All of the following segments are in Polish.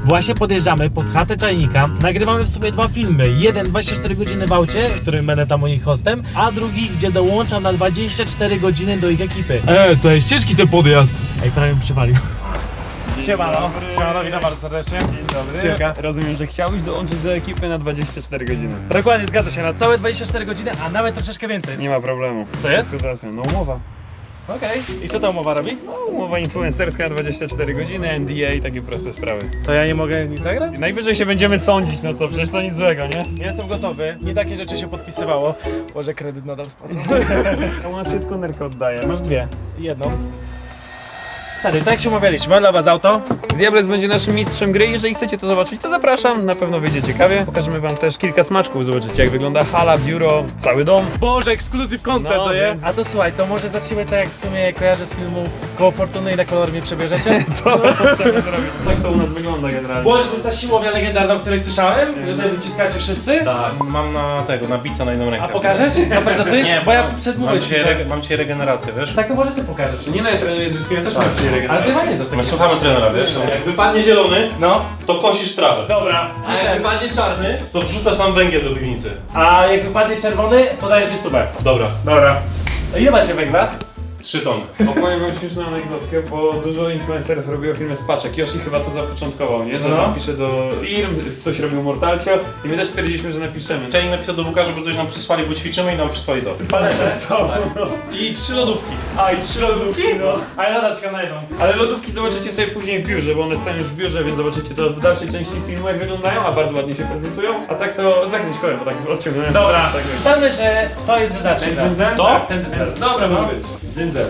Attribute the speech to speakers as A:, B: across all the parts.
A: Właśnie podjeżdżamy pod chatę Czajnika. Nagrywamy w sumie 2 filmy. Jeden 24 godziny w aucie, w którym będę tam u nich hostem, a drugi, gdzie dołączam na 24 godziny do ich ekipy. To jest ciężki ten podjazd. Ej, prawie mi przywalił. Siemano, witam bardzo serdecznie.
B: Dzień dobry.
A: Siemka.
B: Rozumiem, że chciałbyś dołączyć do ekipy na 24 godziny.
A: Dokładnie, zgadza się, na całe 24 godziny, a nawet troszeczkę więcej.
B: Nie ma problemu.
A: Co to jest?
B: No umowa.
A: Okej. I co ta umowa robi?
B: No, umowa influencerska na 24 godziny, NDA i takie proste sprawy.
A: To ja nie mogę nic zagrać?
B: Najwyżej się będziemy sądzić, no co, przecież to nic złego, nie?
A: Jestem gotowy, nie takie rzeczy się podpisywało. Może kredyt nadal spłacę.
B: A u nas się tylko nerkę oddaje, masz dwie.
A: Jedną. Stary, tak jak się umawialiśmy, dla was auto.
B: Diables będzie naszym mistrzem gry, jeżeli chcecie to zobaczyć, to zapraszam, na pewno wyjdzie ciekawie. Pokażemy wam też kilka smaczków, zobaczycie jak wygląda hala, biuro, cały dom.
A: Boże, ekskluzyw content
B: No,
A: to jest.
B: więc-
A: A to słuchaj, to może zacznijmy tak jak w sumie kojarzę z filmów Koło Fortuny i na kolor mnie przebierzecie.
B: To możemy zrobić. Tak to u nas wygląda generalnie.
A: Boże, to jest ta siłownia legendarna, o której słyszałem, że tutaj wyciskacie wszyscy.
C: Tak, mam na bica na jedną rękę.
A: A pokażesz? Zaprezentujesz?
C: Nie,
A: Bo ja przedmówię
C: mam dzisiaj regenerację, wiesz?
A: Tak to może ty pokażesz.
B: Nie no, ja trenuję z Ryskiem, też mam przyjemność.
A: Ale ty chyba nie coś
C: My
A: takiego.
C: słuchamy trenera, wiesz? Jak wypadnie zielony,
A: No,
C: to kosisz trawę.
A: dobra.
C: A jak wypadnie czarny, to wrzucasz nam węgiel do piwnicy.
A: A jak wypadnie czerwony, to dajesz mi stówę.
C: Dobra,
A: Dobra. Ile macie węgla?
C: 3 tony.
B: Opowiem wam śmieszną anegdotkę, bo dużo influencerów robiło filmy z paczek. Yoshi chyba to zapoczątkował, nie? Że
A: No.
B: tam pisze do firm, coś robił Mortalcio i my też stwierdziliśmy, że napiszemy.
C: Część napisał do WK, żeby coś nam przysłali, bo ćwiczymy i nam przysłali to.
A: Paletę. Co?
C: I 3 lodówki.
B: A i 3 lodówki? No.
A: A ja nadal czekam na jedną.
B: Ale lodówki zobaczycie sobie później w biurze, bo one stają już w biurze, więc zobaczycie to w dalszej części filmu jak wyglądają, a bardzo ładnie się prezentują. A tak to zakręć kołem, bo tak odciągnąłem.
A: Dobra,
B: Tak jest.
A: ustalmy, że to jest wyznacznik.
B: Ten dzyndzel?
C: To?
A: Tak, ten dzyndzel.
B: Dobra, może być. Dzyndzel.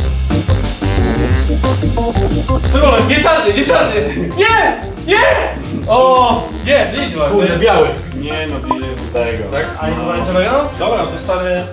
A: Czerwony, nie czarny, nie czarny! Nie! Nie! O! Nie, nieźle.
C: Kurde,
A: to jest-
C: biały.
B: Nie no, bliżej do tego.
C: Tak?
A: A nie pomarańczowego?
C: Dobra, to stary...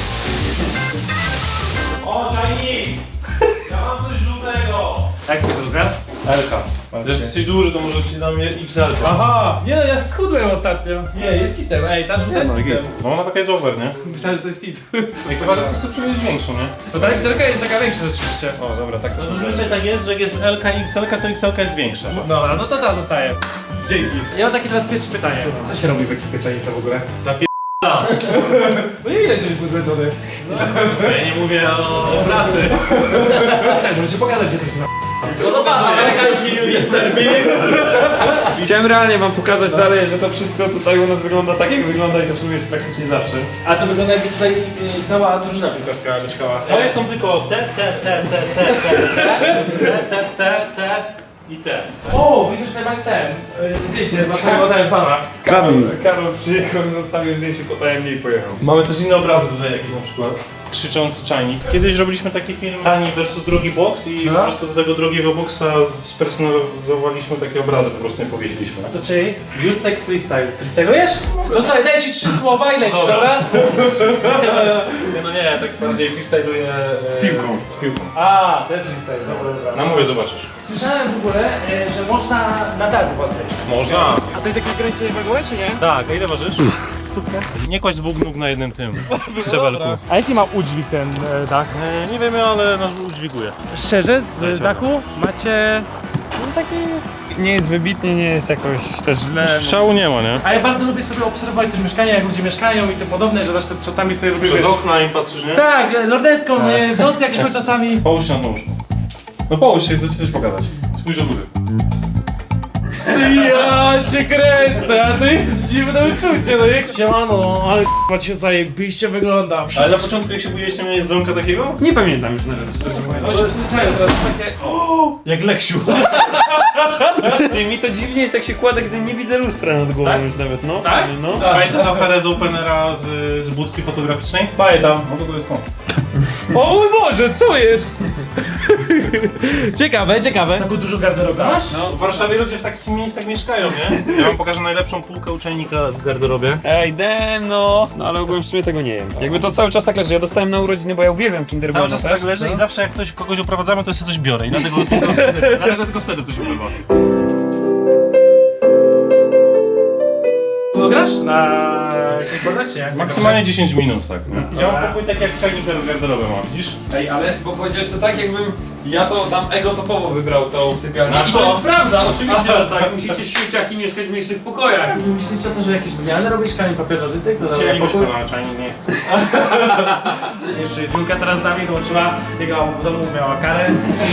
C: O, Czajnik! Ja mam coś żółtego!
A: Jak to jest rozmiar?
C: Elka. Że jesteś duży, to może ci dam XL.
A: Aha! Nie no, ja schudłem ostatnio. Nie, jest kitem. Ej, ta żółta jest kitem.
C: No ona taka jest over, nie?
A: Myślałem, że to jest kit.
C: Jak chyba chcesz sobie przymierzyć większą, nie?
A: To ta XL jest taka większa rzeczywiście.
C: O, dobra, tak. No zazwyczaj tak jest, że jak jest LK i XL, to XL jest większa.
A: Dobra, no to ta zostaje. Dzięki. Ja mam takie teraz pierwsze pytanie. Co się robi w ekipie Czajnika w ogóle? No nie widać, że jest zmęczony.
C: Ja nie mówię o pracy.
A: Tak, możecie pokazać, gdzie to się na... No to patrz, amerykański
C: Jestem w miejscu.
B: Chciałem realnie wam pokazać dalej, że to wszystko tutaj u nas wygląda tak jak wygląda i to w sumie jest praktycznie zawsze.
A: A to wygląda jakby tutaj cała drużyna piłkarska mieszkała.
C: Ale są tylko te i te.
A: O, widzę, że tutaj masz ten zdjęcie waszego ten fana.
B: Karol przyjechał i zostawił zdjęcie potajemnie i pojechał.
C: Mamy też inne obrazy tutaj, jak na przykład krzyczący czajnik. Kiedyś robiliśmy taki film tani versus drugi boks i
A: No.
C: po prostu do tego drugiego boksa spersonalizowaliśmy takie obrazy, po prostu nie powiesiliśmy.
A: To czyli Justek Freestyle. Freestylujesz? No słuchaj, daję ci 3 słowa i lecisz, dobra?
C: Nie, no nie, tak bardziej freestyluję
B: Z piłką.
C: Z piłką.
A: A, ten freestyle, dobra.
C: Na mówię, zobaczysz.
A: Słyszałem w ogóle, że można na dach was wejść.
C: Można.
A: A to jest jakieś ograniczenie wagowe, czy nie?
C: Tak, a ile ważysz?
A: Stówkę.
C: Nie kładź 2 nóg na jednym tym szczebelku.
A: A jaki ma udźwig ten dach?
C: Nie wiemy, ale nas udźwiguje.
A: Szczerze, z dachu macie taki...
B: Nie jest wybitnie, nie jest jakoś też źle.
C: Szału nie ma, nie?
A: A ja bardzo lubię sobie obserwować też mieszkania, jak ludzie mieszkają i tym podobne, że też czasami sobie lubię...
C: Przez okna im patrzysz, nie?
A: Tak, lordetką, w nocy jak śpią czasami.
C: Połóż się na tą łóżku. No połóż się, chcę ci coś pokazać. Spójrz do góry.
A: Ja cię kręcę, a to jest dziwne uczucie, no jak siemano, ale k***a cię zajebiście wygląda.
C: Ale na początku jak się budziliście, miałeś dzwonka takiego?
B: Nie pamiętam już nawet, szczerze mówiąc.
A: No się przyzwyczają teraz takie...
C: Jak Leksiu.
B: Ty, mi to dziwnie jest jak się kładę, gdy nie widzę lustra nad głową
C: Tak?
B: już nawet, no.
A: Tak?
B: No.
C: Pamiętasz aferę z Openera z budki fotograficznej?
A: Pamiętam.
C: No to jest to.
A: O mój Boże, co jest? Ciekawe, ciekawe. Taką dużą garderobę masz?
B: No.
C: W Warszawie ludzie w takich miejscach mieszkają, nie? Ja wam pokażę najlepszą półkę uczajnika w garderobie.
B: Ej, no ale ogółem w sumie tego nie jem. Jakby to cały czas tak leży, ja dostałem na urodziny, bo ja uwielbiam Kinder
C: Cały
B: Bueno
C: czas
B: też.
C: tak leży i zawsze jak kogoś oprowadzamy, to ja sobie coś biorę i dlatego tylko wtedy coś ubywa.
A: Grasz na jakiś bordel, czy jak?
C: Maksymalnie 10 minut, tak. Ja mam pokój tak jak czajnik garderoby mam, widzisz?
B: Ej, ale bo powiedziałeś to tak, jakbym ja to tam ego-topowo wybrał tą sypialnię.
C: No
B: I
C: to-
B: to jest prawda, oczywiście, że tak. Musicie śmieciaki mieszkać w mniejszych pokojach.
A: Myślicie o tym, że jakieś wymiany robisz kamień papier nożyce? Kto zabrał
C: Chcielibyśmy
A: pokój?
C: na czajnik, nie.
A: Jeszcze jest Julka teraz z nami, dołączyła, jego w domu miała karę.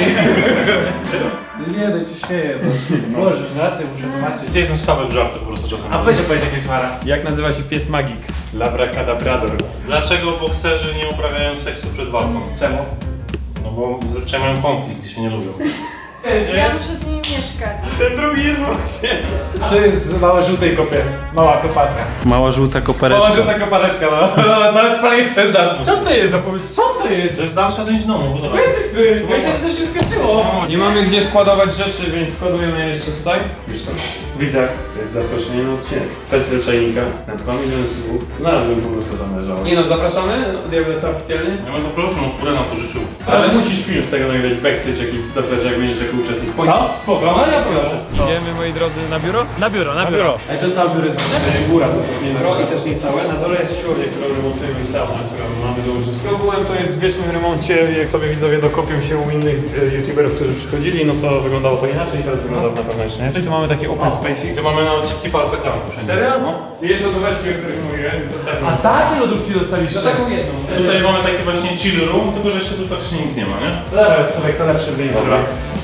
A: Nie, daj się śmieję. Boże, żarty muszę tłumaczyć.
C: Ja jestem słaby w żarty po prostu czasem.
A: A weź opowiedz jakieś suara.
B: Jak nazywa się pies magik? Labracadabrador.
C: Dlaczego bokserzy nie uprawiają seksu przed walką?
A: Czemu?
C: No bo zazwyczaj mają konflikt i się nie lubią.
D: Ja muszę z nimi mieszkać.
B: Ten drugi jest mocniejszy.
A: Co jest z małej żółtej kopie? Mała koparka.
C: Mała żółta kopereczka.
A: Mała żółta kopareczka, no. Znaleźć spaliny żart. Co to jest zapowiedź? Co to jest?
C: To jest dalsza część domu, bo zobacz.
A: Myślę, że to się skończyło.
B: Nie mamy gdzie składować rzeczy, więc składujemy je jeszcze tutaj. Wiesz to?
A: Widzę.
B: To jest zaproszenie na odcinek. Specjal czajnika na 2 miliony subów. Znalazłem po prostu tam leżało. Nie no, zapraszamy Diablesa oficjalnie.
C: Ja mam zaproszoną furę na pożyciu.
B: Ale musisz film z tego nagrać, backstage jakiś zaplecze, jak będziesz jako uczestnik.
A: No, spoko, no ja powiem.
B: Idziemy, moi drodzy, na biuro?
A: Na biuro, na biuro. Ej, to całe biuro jest nasze.
B: Góra to jest nie biuro i też nie całe. Na dole jest siłownia, którą remontujemy i sauna, którą mamy dołożyć. Ogółem to jest w wiecznym remoncie. Jak sobie widzowie dokopią się u innych youtuberów, którzy przychodzili, no to wyglądało to inaczej i teraz wygląda na pewno jeszcze nie. Czyli tu mamy taki open space.
C: Tu mamy na odciski palca klamki.
A: Serio?
C: No.
B: Jest lodóweczki, o których mówiłem.
A: A takie lodówki dostaliście?
B: taką jedną.
C: Tutaj mamy taki właśnie chill room, tylko że jeszcze tu praktycznie nic nie ma, nie?
A: Dobra, słuchaj, to lepszy wynik.
C: Dobra.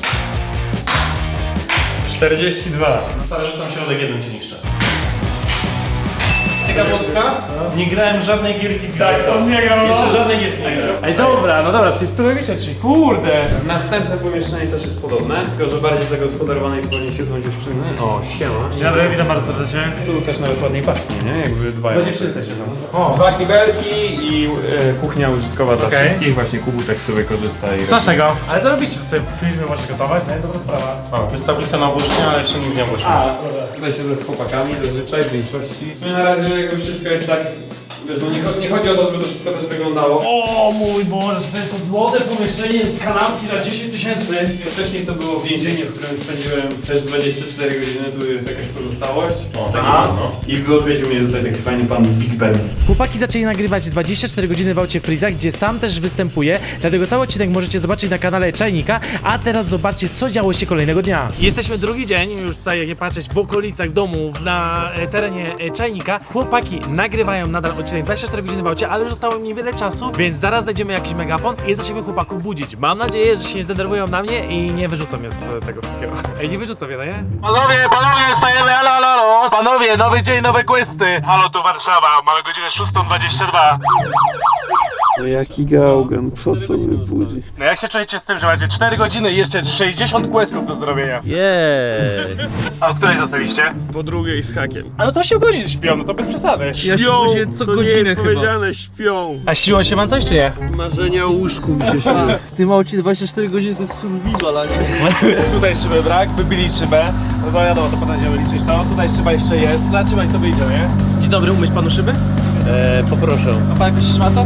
B: 42.
C: Stary, że tam środek jeden cię niszczy. Ciekawostka? Nie grałem żadnej gierki wideo.
B: Tak, on nie grał.
C: Jeszcze żadnej gierki nie grałem.
A: Ej, dobra, no dobra, czyli 100 miesięcznie, kurde.
B: Następne pomieszczenie też jest podobne, tylko że bardziej zagospodarowane i tu nie siedzą dziewczyny. O, siema.
A: Dzień dobry, witam bardzo serdecznie.
B: Tu też nawet ładniej pachnie, nie? Jakby dbają.
A: Bo dziewczyny też siedzą. O,
B: 2 kibelki i kuchnia użytkowa dla
A: Okej.
B: wszystkich. Właśnie Kubutek sobie korzysta i...
A: Smacznego. Ale co robicie, że sobie w filmie możecie gotować, nie? Dobra sprawa.
C: A, to jest tablica na obłożenie, ale jeszcze nic nie obłożyłem.
A: A, dobra.
B: Tutaj siedzę z chłopakami zazwyczaj w większości. W sumie na razie jakby wszystko jest tak... Wiesz, no nie chodzi o to, żeby to wszystko też wyglądało.
A: O mój Boże, to złote pomieszczenie z kanapki za 10 000.
B: Wcześniej to było więzienie, w którym spędziłem też 24 godziny, tu jest jakaś pozostałość.
C: O, taki
A: Aha.
C: no.
B: I odwiedził mnie tutaj taki fajny pan Big Ben.
A: Chłopaki zaczęli nagrywać 24 godziny w aucie Freeza, gdzie sam też występuje, dlatego cały odcinek możecie zobaczyć na kanale Czajnika, a teraz zobaczcie, co działo się kolejnego dnia. Jesteśmy drugi dzień, już tutaj jak nie patrzeć, w okolicach domu, na terenie Czajnika. Chłopaki nagrywają nadal odcinek 24 godziny w aucie, ale już zostało im niewiele czasu, więc zaraz znajdziemy jakiś megafon i zaczniemy chłopaków budzić. Mam nadzieję, że się nie zdenerwują na mnie i nie wyrzucą mnie z tego wszystkiego. Ej, nie wyrzucą mnie, no nie? Panowie, stajemy, halo, panowie, nowy dzień, nowe questy. Halo, tu Warszawa, mamy godzinę 6:22.
E: No jaki gałgan, po co mnie budzi?
A: No jak się czujecie z tym, że macie 4 godziny i jeszcze 60 questów do zrobienia?
E: Jej!
A: A o której zostaliście?
E: Po drugiej z hakiem.
A: A no to 8 godzin śpią, no to bez przesady.
E: Śpią, co
F: to nie
E: godzinę
F: jest
E: chyba.
F: powiedziane, śpią.
A: A siło się wam coś czy nie?
F: Marzenia o łóżku mi się śnią.
E: W tym aucie 24 godziny to jest survival, a nie...
A: Tutaj szyby brak, wybili szybę. No to wiadomo, to potem będziemy liczyć to. Tutaj szyba jeszcze jest, zobaczymy jak to wyjdzie, nie? Dzień dobry, umyć panu szyby?
E: Poproszę.
A: A pan jakoś szmata?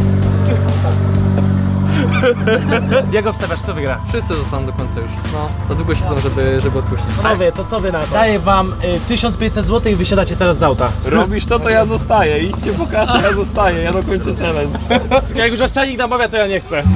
A: Jak obstawiasz, kto wygra?
G: Wszyscy zostaną do końca już. No, za długo siedzą, żeby odpuścić.
A: Panowie, to co wy na to? Daję wam 1500 zł i wysiadacie teraz z auta.
F: Robisz to ja zostaję. Idźcie po kasę, ja zostaję. Ja dokończę challenge.
A: Jak już wasz czajnik namawia, to ja nie chcę.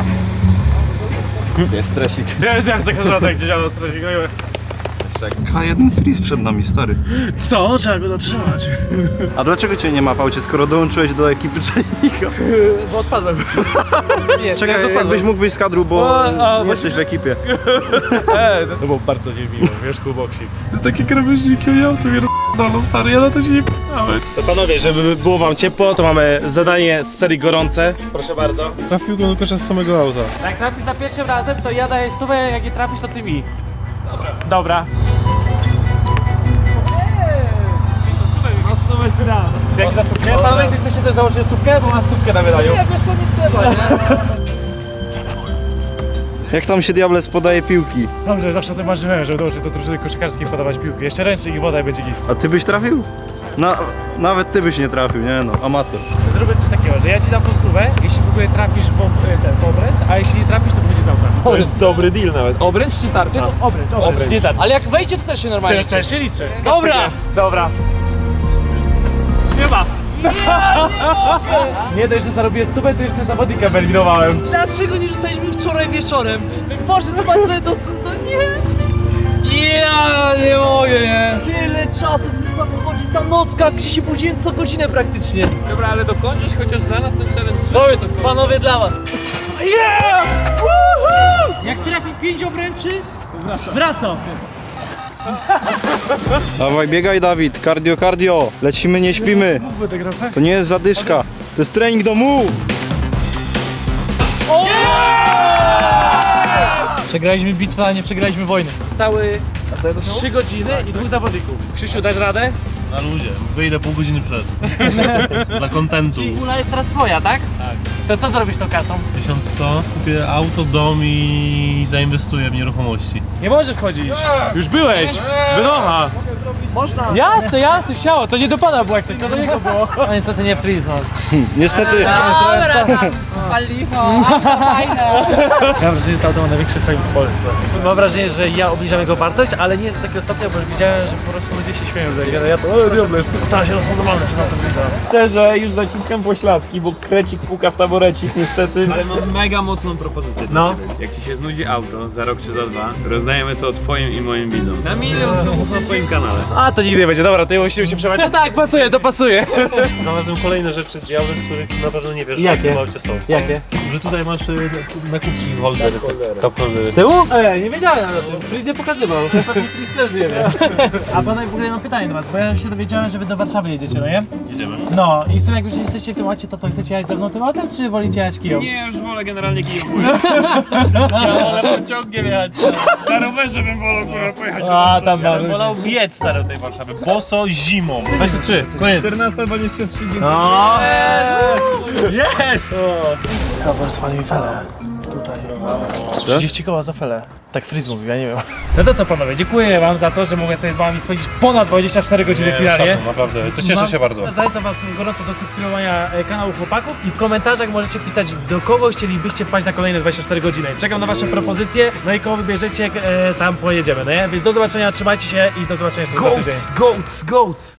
G: Jest stresik.
A: Ja za każdym razem jak gdzieś jadę stresik.
H: K1 Freeze przed nami, stary.
A: Co? Trzeba go zatrzymać.
H: A dlaczego cię nie ma w aucie, skoro dołączyłeś do ekipy Czajnika?
A: Bo odpadłem. Nie,
H: Czekaj, jakbyś mógł wyjść z kadru, bo nie jesteś w ekipie.
A: To było bardzo niemiło, wiesz, kuboksik.
F: To jest takie krawężniki, ja to pierdolą, stary, ja na to się nie p***ałem.
A: To panowie, żeby było wam ciepło, to mamy zadanie z serii gorące. Proszę bardzo.
C: Traf piłką do kosza z samego auta.
A: Jak trafisz za pierwszym razem, to ja daję stówę, jak nie trafisz, to ty mi. Dobra.
B: No stówę ci dam.
A: Jak za stówkę? Panowie, ty chcecie też założyć stówkę? Bo mam stówkę na wydaniu.
G: Nie, wiesz co, nie trzeba, nie?
H: Jak tam się Diables podaje piłki?
A: Dobrze, zawsze o tym marzyłem, żeby dołączyć do drużyny koszykarskiej podawać piłki. Jeszcze ręcznik i woda i będzie git.
H: A ty byś trafił? Nawet ty byś nie trafił, nie no, amator.
A: Zrobię coś takiego, że ja ci dam tą stówę, jeśli w ogóle trafisz w obręcz, a jeśli nie trafisz, to będzie z auta.
F: To jest dobry deal nawet.
G: Obręcz czy tarcza?
A: Obręcz, nie tarcza.
G: Ale jak wejdzie, to też się normalnie
A: Też się liczy.
G: Dobra!
A: Dobra. Nie ma. Nie dość, że zarobię stówę, to jeszcze zawodnika wyeliminowałem.
G: Dlaczego nie rzucaliśmy wczoraj wieczorem? Boże, spać sobie to nie! Ja nie mogę, nie! Tyle czasu w tym samochodzie, ta nocka, gdzie się budziłem co godzinę praktycznie. Dobra, ale dokończysz chociaż dla nas ten challenge. Zrobię to, panowie, dla was. Yeah! Jak trafi 5 obręczy, wracam.
H: Dawaj, biegaj Dawid, cardio, cardio. Lecimy, nie śpimy. To nie jest zadyszka, to jest trening do move.
A: Przegraliśmy bitwę, a nie przegraliśmy wojny. Zostały 3 godziny i 2 zawodników. Krzysiu, dasz radę?
C: Na luzie, wyjdę pół godziny przed. Dla kontentu.
A: Pula jest teraz twoja, tak? Tak. To co zrobisz z tą kasą?
C: 1100, kupię auto, dom i zainwestuję w nieruchomości.
A: Nie możesz wchodzić. Już byłeś. Wynocha. Można. Jasne, jasne, siało. To nie do pana było jak coś, to do niego było. No niestety nie freeze, no.
H: Niestety.
D: Dobra, tam. Palicho, auto fajne.
A: Ja mam wrażenie, że to auto ma największy fame w Polsce. Mam wrażenie, że ja obniżam jego wartość, ale nie jest do takiego stopnia, bo już widziałem, że po prostu ludzie się śmieją, że ja to diables. Stałem się rozpoznawalny przez autobusę.
F: Szczerze, już naciskam pośladki, bo krecik puka w taborecik niestety. Ale mam mega mocną propozycję
A: No.
F: dla ciebie. Jak ci się znudzi auto za rok czy za 2, rozdajemy to twoim i moim widzom. Na 1 000 000 subów na twoim kanale.
A: A to nigdy nie będzie, dobra, to ja musimy się przebrać. No tak, pasuje, to pasuje.
C: Znalazłem kolejne rzeczy diabeł, z których na pewno nie wiesz,
A: Jakie?
C: że w tym aucie są.
A: Jakie?
C: Że tutaj masz nakupki holder, cup holder.
A: Z tyłu? Nie wiedziałem o tym. Freeze nie pokazywał. Pewnie Freeze też nie wie. A pana w ogóle mam pytanie do was, bo ja się dowiedziałem, że wy do Warszawy jedziecie, no nie?
C: Jedziemy.
A: No i w sumie jak już jesteście w tym aucie, to co, chcecie jechać ze mną tym autem, czy wolicie jechać Kiją?
F: Nie, już wolę generalnie Kijów.
C: Ale pociągiem jechać.
F: Na rowerze bym wolał kurwa pojechać do
A: A,
F: Warszawy.
A: tam
C: Ja bym wolał biec stary do tej Warszawy, boso zimą.
A: 23, koniec.
F: 14:23.
A: No.
C: Yes!
A: Dobra, spalił mi felę. Tutaj. 30 koła za felę. Tak Freeze mówił, ja nie wiem. No to co panowie, dziękuję wam za to, że mogę sobie z wami spędzić ponad 24 godziny finalnie.
C: Szacun, naprawdę, to cieszę się bardzo.
A: Zachęcam was gorąco do subskrybowania kanału chłopaków i w komentarzach możecie pisać, do kogo chcielibyście wpaść na kolejne 24 godziny. Czekam na wasze propozycje, no i kogo wybierzecie, tam pojedziemy, no nie? Więc do zobaczenia, trzymajcie się i do zobaczenia jeszcze za tydzień.
G: Goats!